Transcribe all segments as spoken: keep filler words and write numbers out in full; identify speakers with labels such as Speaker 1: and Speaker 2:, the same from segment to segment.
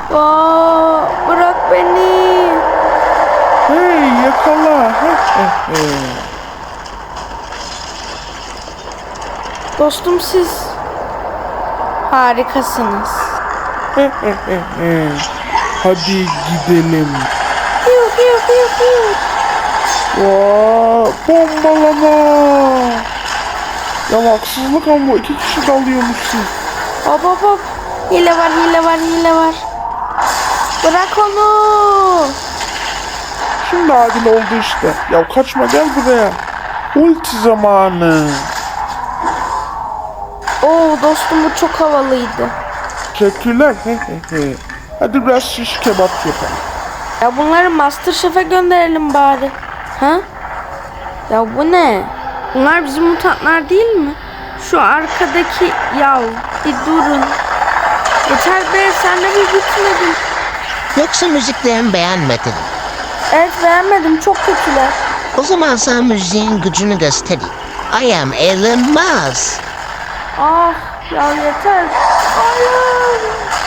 Speaker 1: Aa, bırak beni.
Speaker 2: Hey yakala.
Speaker 1: Dostum siz harikasınız.
Speaker 2: Hadi gidelim.
Speaker 1: Hiu hiu hiu hiu.
Speaker 2: Vaa, bombalama. Ya haksızlık ama iki kişi dalıyormuşsun.
Speaker 1: Hop hop hop. Hile var hile var hile var. Bırak onu.
Speaker 2: Şimdi adil oldu işte. Ya kaçma gel buraya. Ulti zamanı.
Speaker 1: Oo dostum bu çok havalıydı.
Speaker 2: Teşekkürler. Hadi biraz şiş kebap yapalım.
Speaker 1: Ya bunları MasterChef'e gönderelim bari. Ha? Ya bu ne? Bunlar bizim mutantlar değil mi? Şu arkadaki yav. Bir durun. Yeter be sen de bir bitmedin.
Speaker 3: Yoksa müziklerini beğenmedin.
Speaker 1: Evet beğenmedim çok kötüler.
Speaker 3: O zaman sana müziğin gücünü göstereyim. I am Elon Musk.
Speaker 1: Ah ya yeter. Hayır.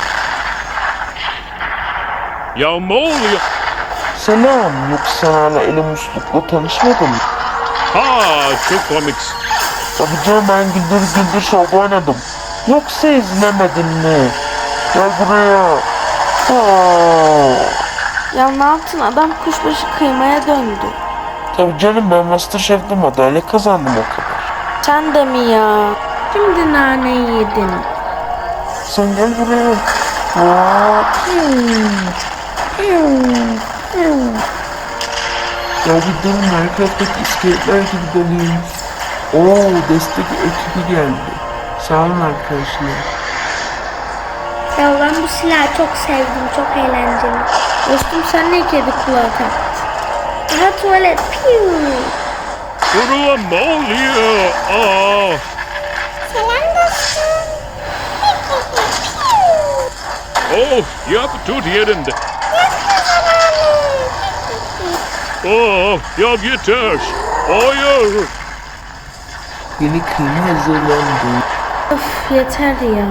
Speaker 4: Ya ne oluyor?
Speaker 2: Selam. Yoksa hala Elon Musk'la tanışmadın mı?
Speaker 4: Ha çok komiksin.
Speaker 2: Tabii canım ben güldür güldür şov oynadım. Yoksa izlemedin mi? Gel buraya. Aa.
Speaker 1: Ya ne yaptın adam kuşbaşı kıymaya döndü.
Speaker 2: Tabii canım ben MasterChef'te madalya kazandım o kadar.
Speaker 1: Sen de mi ya? Şimdi naneyi yedin.
Speaker 2: Sen gel buraya. Aa. Ya bir durun Minecraft'taki iskeletler gibi doluyormuş. Oo destek ekibi geldi. Sağ olun arkadaşlar.
Speaker 5: Ya ben bu silahı çok sevdim, çok eğlenceli.
Speaker 1: Dostum sen ne kedi kulağı taktın?
Speaker 5: Aha tuvalet, piu.
Speaker 4: Durun ne oluyor? Aa,
Speaker 5: Selam dostum.
Speaker 4: oh yap tut yerinde. Oh ya yeter. Hayır.
Speaker 2: Yeni kıyma hazırlandı.
Speaker 1: Öf yeter ya.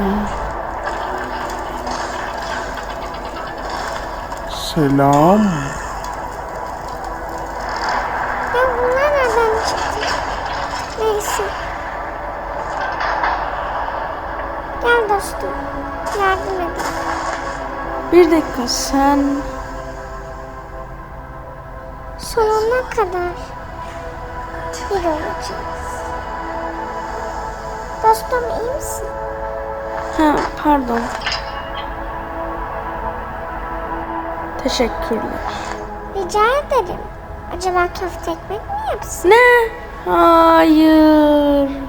Speaker 2: Selam.
Speaker 5: Ya bunlar nereden çıktı? Neyse. Gel dostum, yardım edin.
Speaker 1: Bir dakika sen...
Speaker 5: Sonuna kadar bir olacağız. Dostum iyi misin?
Speaker 1: Ha pardon. Teşekkürler.
Speaker 5: Rica ederim. Acaba köfte ekmek mi yapsın?
Speaker 1: Ne? Hayır.